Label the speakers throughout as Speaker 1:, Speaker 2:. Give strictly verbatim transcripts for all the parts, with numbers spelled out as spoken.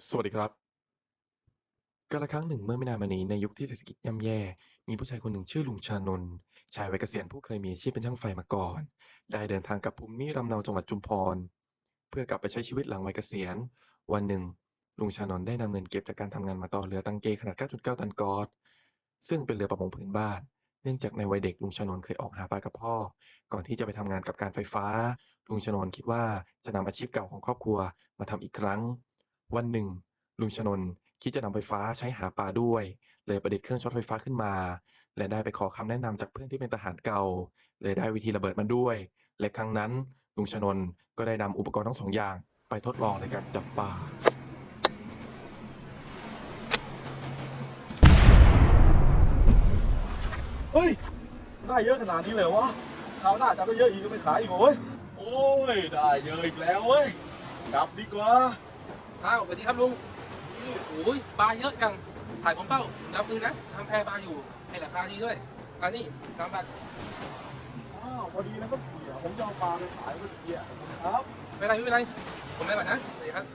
Speaker 1: สวัสดีครับกาลครั้งหนึ่งเมื่อไม่นานมานี้ในยุคที่เศรษฐกิจย่ำแย่มีผู้ชายคนหนึ่งชื่อลุงชานนท์ชายวัยเกษียณผู้เคยมีอาชีพเป็นช่างไฟมาก่อนได้เดินทางกลับภูมิลำเนาจังหวัดชุมพรเพื่อกลับไปใช้ชีวิตหลังวัยเกษียณวันหนึ่งลุงชานนท์ได้นำเงินเก็บจากการทำงานมาต่อเรือตังเกขนาด เก้าจุดเก้า ตันกอซซึ่งเป็นเรือประมงพื้นบ้านเนื่องจากในวัยเด็กลุงชานนท์เคยออกหาปลากับพ่อก่อนที่จะไปทำงานกับการไฟฟ้าลุงชานนท์คิดว่าจะนำอาชีพเก่าของครอบครัวมาทำอีกครั้งวันหนึ่ง ลุงชนนคิดจะนำไฟฟ้าใช้หาปลาด้วยเลยประดิษฐ์เครื่องช็อตไฟฟ้าขึ้นมาและได้ไปขอคำแนะนำจากเพื่อนที่เป็นทหารเก่าเลยได้วิธีระเบิดมาด้วยและครั้งนั้นลุงชนนก็ได้นำอุปกรณ์ทั้งสองอย่างไปทดลองในการจับปลา
Speaker 2: เฮ้ยได้เยอะขนาดนี้เลยวะคราวหน้าจะได้เยอะอีกก็ไม่ขายอีกโว้ยโอ้ยได้เยอะอีกแล้วเว้ยกลับดีกว่า
Speaker 3: อ้าวสวัสดีครับลุงโอ้ยปลาเยอะจังถ่ายผมเป้ารับมือนะทำแพปลาอยู่ให้ราคาดีด้วยอันนี้สามบาท
Speaker 2: อ้าวพอดีนะครับเสียผมจะเอาปลาไปขายเมื่อกี้ครับ
Speaker 3: ไม่เป็นไรไม่เป็นไรผมไม่บาทนะสวัสดีครับ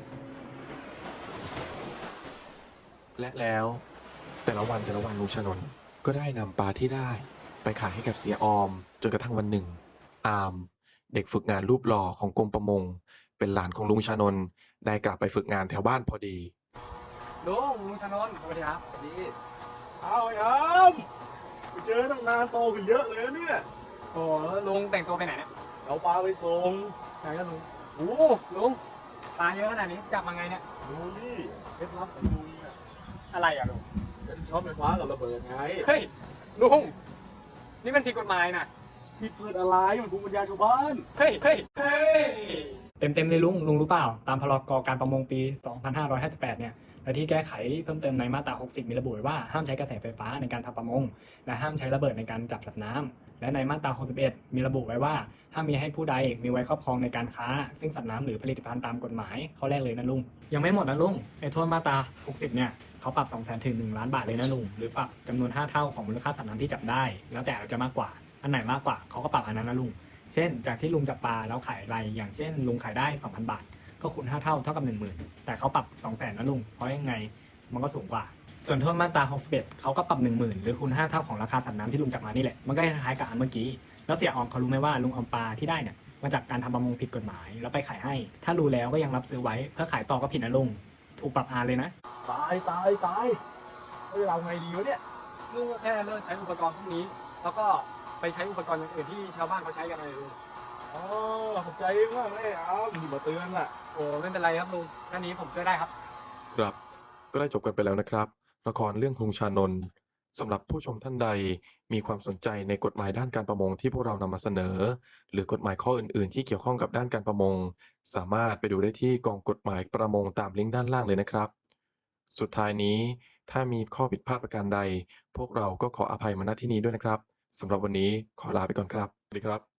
Speaker 1: และแล้วแต่ละวันแต่ละวันลุงชนนก็ได้นำปลาที่ได้ไปขายให้กับเสียออมจนกระทั่งวันหนึ่งอามเด็กฝึกงานรูปหล่อของกรมประมงเป็นหลานของลุงชานนท์ได้กลับไปฝึกงานแถวบ้านพอดี
Speaker 3: ลุงลุงชนนท์สวัสดีครับสวัสดี
Speaker 2: เอาไอ้อามไปเจอตั้งนานโตขึ้นเยอะเลยนะเนี่ย
Speaker 3: โอ้ลุงแต่งตัวไปไหนเนี่ย
Speaker 2: เอาปลาไปส่ง
Speaker 3: ไหนกันลุงโอ้ลุงปลาเยอะขนาดนี้จับมาไงเนี่ย
Speaker 2: ดูนี่เคล็ดลับของลุงอ่ะ
Speaker 3: อะไรอ่ะลุง
Speaker 2: เป็นช็อตไฟฟ้ากับระเบิดไง
Speaker 3: เฮ้ยลุงนี่มันผิดกฎหมายนะ
Speaker 2: ผิดเปิดอะไรมันภูมิปัญญาชาวบ้าน
Speaker 3: เฮ้ยเฮ้ยเฮ้ย
Speaker 4: เต็มๆเลยลุงลุงรู้เปล่าตามพรกการประมงปี สองพันห้าร้อยห้าสิบแปด เนี่ยและที่แก้ไขเพิ่มเติมในมาตรา หกสิบ มีระบุไว้ว่าห้ามใช้กระแสไฟฟ้าในการทำประมงและห้ามใช้ระเบิดในการจับสัตว์น้ำและในมาตรา หกสิบเอ็ด มีระบุไว้ว่าห้ามมีให้ผู้ใดมีไว้ครอบครองในการค้าซึ่งสัตว์น้ำหรือผลิตภัณฑ์ตามกฎหมายข้อแรกเลยนะลุงยังไม่หมดนะลุงไอ้โทษมาตรา หกสิบ เนี่ยเขาปรับ สองแสน ถึง หนึ่ง ล้านบาทเลยนะลุงหรือปรับจำนวนห้าเท่าของมูลค่าสัตว์น้ำที่จับได้แล้วแต่อาจจะมากกว่าอันไหนมากกว่าเขาก็ปรับอันนั้นนะลุงเช่นจากที่ลุงจับปลาแล้วขายไรอย่างเช่นลุงขายได้ สองพัน บาทก็คูณห้าเท่าเท่ากับ หนึ่งหมื่น แต่เขาปรับ สองแสน นะลุงเพราะยังไงมันก็สูงกว่าส่วนโทษมาตรา หกสิบเอ็ด เขาก็ปรับ หนึ่งหมื่น หรือคูณห้าเท่าของราคาสัตว์น้ำที่ลุงจับมานี่แหละมันก็คล้ายๆกับอันเมื่อกี้แล้วเสียออมเขารู้ไหมว่าลุงเอาปลาที่ได้เนี่ยมาจากการทำประมงผิดกฎหมายแล้วไปขายให้ถ้ารู้แล้วก็ยังรับซื้อไว้เพื่อขายต่อก็ผิดนะลุงถูกปรับอาเลยนะ
Speaker 2: ตายตายตายเฮ้ยเราไงดีวะเนี่ย
Speaker 3: ลุงก็แค่เลิกใช้อุปกรณ์พวกนี้ แล้วก็ไปใช้อุปกรณ์อย่างอื่นที่ชาวบ้านเขาใช้กันเลยลุง
Speaker 2: อ๋อขอบใจมากเลยอ้าวมีมาเตือนล่ะ
Speaker 3: โอ้ไม่เป็นไรครับลุงแค่นี้ผมช่วยได้ครับ
Speaker 1: ครับก็ได้จบกันไปแล้วนะครับละครเรื่องกรุงชานนท์สำหรับผู้ชมท่านใดมีความสนใจในกฎหมายด้านการประมงที่พวกเรานำมาเสนอหรือกฎหมายข้ออื่นๆที่เกี่ยวข้องกับด้านการประมงสามารถไปดูได้ที่กองกฎหมายประมงตามลิงก์ด้านล่างเลยนะครับสุดท้ายนี้ถ้ามีข้อผิดพลาดประการใดพวกเราก็ขออภัยมาณที่นี้ด้วยนะครับสำหรับวันนี้ขอลาไปก่อนครับสวัสดีครับ